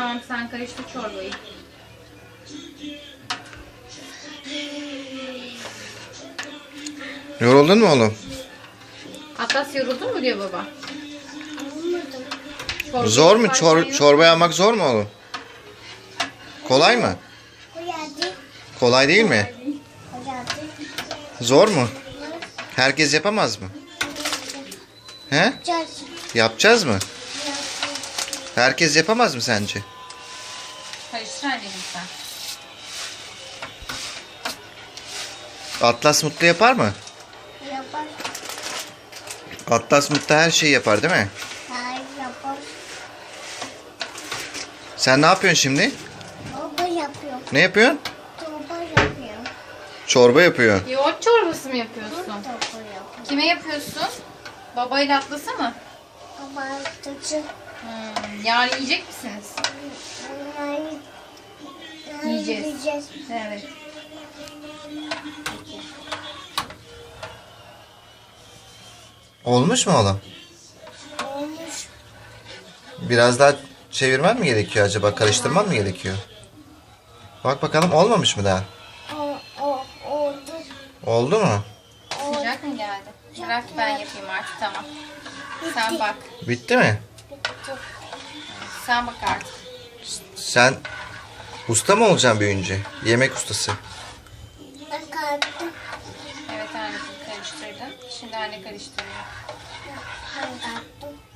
Tamam, sen karıştır çorbayı. Yoruldun mu oğlum? Atlas yoruldun mu diyor baba. Çorbayı Zor mu? yaparken yok. Çorba yapmak zor mu oğlum? Kolay mı? Kolay değil mi? Zor mu? Herkes yapamaz mı? He? Yapacağız mı? Herkes yapamaz mı sence? Karıştır anneciğim sen. Atlas Mutlu yapar mı? Yapar. Atlas Mutlu her şeyi yapar değil mi? Hayır yapar. Sen ne yapıyorsun şimdi? Baba yapıyor. Ne yapıyorsun? Baba yapıyor. Çorba yapıyor. Yoğurt çorbası mı yapıyorsun? Baba yapıyor. Kime yapıyorsun? Babayla Atlas'a mı? Baba tutucu. Yarın yiyecek misiniz? Yiyeceğiz. Yiyeceğiz. Evet. Olmuş mu oğlum? Olmuş. Biraz daha çevirmen mi gerekiyor acaba? Karıştırman mı gerekiyor? Bak bakalım, olmamış mı daha? Oldu. Oldu mu? Sıcak mı geldi? Bırak ben yapayım artık, tamam. Sen bak. Bitti mi? Bitti. Sen bak artık. Sen usta mı olacaksın büyüyünce? Yemek ustası. Ben kalktım. Evet anneciğim, karıştırdın. Şimdi anne karıştırıyor. Ben kalktım.